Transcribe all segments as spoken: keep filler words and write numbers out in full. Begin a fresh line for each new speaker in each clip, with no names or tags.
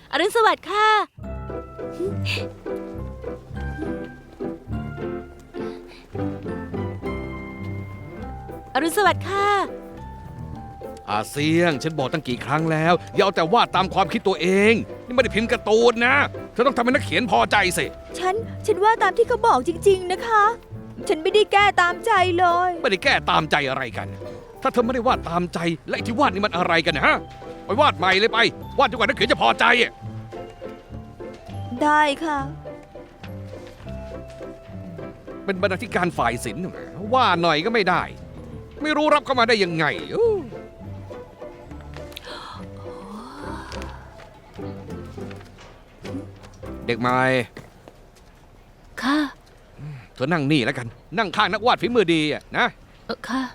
อรุณสวัสดิ์ค่ะอรุณสวัสดิ์ค่ะ
อาเซียงฉันบอกตั้งกี่ครั้งแล้วอย่าเอาแต่วาดตามความคิดตัวเองนี่ไม่ได้พิมพ์การ์ตูนนะเธอต้องทำให้นักเขียนพอใจสิ
ฉัน ฉันว่าตามที่เขาบอกจริงๆนะคะ ฉันไม่ได้แก้ตามใจเลย
ไม่ได้แก้ตามใจอะไรกัน ถ้าเธอไม่ได้วาดตามใจและไอ้ที่วาดนี่มันอะไรกันนะฮะไปวาดใหม่เลยไปวาดจนกว่านักเขียนจะพอใจอะ
ได้ค่ะ
เป็นบรรณาธิการฝ่ายศิลป์น่ะว่าหน่อยก็ไม่ได้ ไม่รู้รับเข้ามาได้ยังไงอู้เด็กใหม่
ค่ะ
เธอนั่งนี่แล้วกัน นั่งข้างนักวาดฝีมือดีอะนะ
เออค่ะ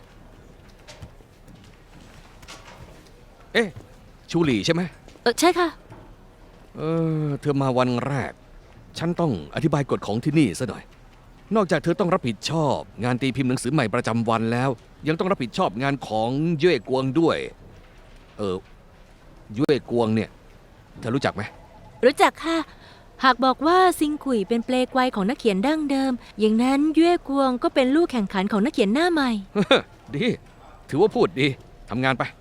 เอ๊ะชูหลี่ใช่ไหม
เออใช่ค่ะ
เออเธอมาวันแรก ฉันต้องอธิบายกฎของที่นี่ซะหน่อย นอกจากเธอต้องรับผิดชอบ งานตีพิมพ์หนังสือใหม่ประจำวันแล้ว ยังต้องรับผิดชอบงานของเย่กวงด้วย เออเย่กวงเนี่ยเธอรู้จักไหม
รู้จักค่ะ หากบอกว่าซิงกุยเป็นเปลกวัยของนักเขียนดั้งเดิม อย่างนั้นเย่กวงก็เป็นลูกแข่งขันของนักเขียนหน้าใหม่
ดี ถือว่าพูดดีทำงานไป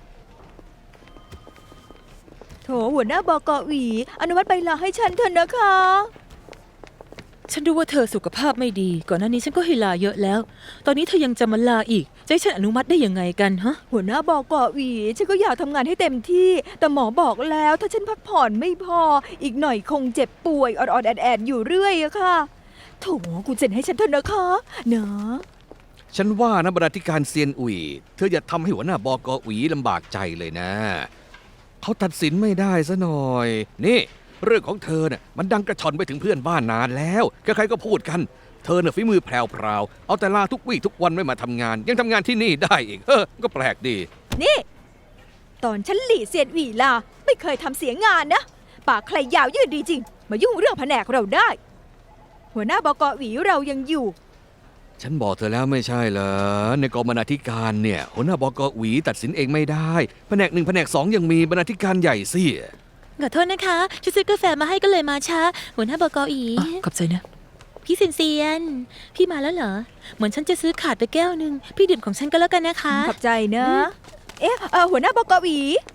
โถหัวหน้าบกหวีอนุมัติใบลาให้ฉันเถอะนะคะ
ฉันรู้ว่าเธอสุขภาพไม่ดี ก่อนหน้านี้ฉันก็ให้ลาเยอะแล้ว ตอนนี้เธอยังจะมาลาอีก จะให้ฉันอนุมัติได้ยังไงกันฮะ
หัวหน้าบกหวีฉันก็อยากทำงานให้เต็มที่ แต่หมอบอกแล้วถ้าฉันพักผ่อนไม่พอ อีกหน่อยคงเจ็บป่วยออดๆแอดๆอยู่เรื่อยอะค่ะโถคุณเซ็นให้ฉันเถอะนะคะเนาะ
ฉันว่านะบรรณาธิการเซียนอุ๋ยเธออย่าทำให้หัวหน้าบกอุ๋ยลำบากใจเลยนะ เขาตัดสินไม่ได้ซะหน่อย นี่ เรื่องของเธอเนี่ยมันดังกระชอนไปถึงเพื่อนบ้านนานแล้วใครๆก็พูดกัน เธอเนี่ยฝีมือแพรวๆเอาแต่ลาทุกวี่ทุกวันไม่มาทำงาน ยังทำงานที่นี่ได้อีกเออก็แปลกดี
นี่ ตอนฉันหลี่เซียนหวีลาไม่เคยทำเสียงานนะ ปากใครยาวยืดดีจริง มายุ่งเรื่องแผนกเราได้ หัวหน้าบกหวีเรายังอยู่
ฉันบอกเธอแล้วไม่ใช่เหรอในกองบรรณาธิการเนี่ยหัวหน้าบกอุ๋ยตัดสินเองไม่ได้แผนกหนึ่งแผนกสองยังมีบรรณาธิการใหญ่สิ
ขอโทษนะคะฉันซื้อกาแฟมาให้ก็เลยมาช้า หัวหน้าบกอี ขอบใจนะ พี่เซียนเซียน พี่มาแล้วเหรอ เหมือนฉันจะซื้อขาดไปแก้วหนึ่งพี่ดื่มของฉันก็แล้วกันนะคะ
ขอบใจนะ เอ๊ะเอ่อหัวหน้าบกหวี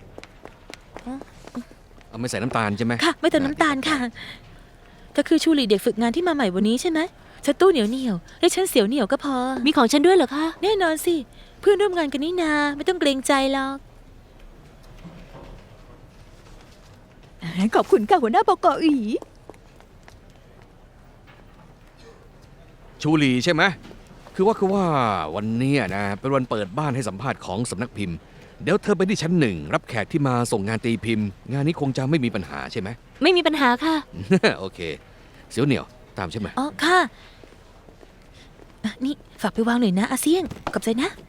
เอาไม่ใส่น้ำตาลใช่ไหม
ค่ะ ไม่เติมน้ำตาลค่ะเธอคือชูหลีเด็กฝึกงานที่มาใหม่วันนี้ใช่ไหมฉันตู้เหนียวเหนียวๆให้ฉันเสียวเหนียวก็พอ
มีของฉันด้วยเหรอคะ
แน่นอนสิ เพื่อนร่วมงานกันนี่นาไม่ต้องเกรงใจหรอก
ขอบคุณค่ะหัวหน้าบกหวี
ชูหลีใช่ไหมคือว่าคือว่าวันเนี้ยนะเป็นวันเปิดบ้านให้สัมภาษณ์ของสำนักพิมพ์ เดี๋ยวเธอไปที่ชั้นหนึ่งรับแขกที่มาส่งงานตีพิมพ์ งานนี้คงจะไม่มีปัญหาใช่ไหม
ไม่มีปัญหาค่ะ
โอเค เสียวเหนียวตามใช่ไหม
อ๋อ ค่ะอ่ะ นี่ฝากไปวางหน่อยนะอาเซียนขอบใจนะ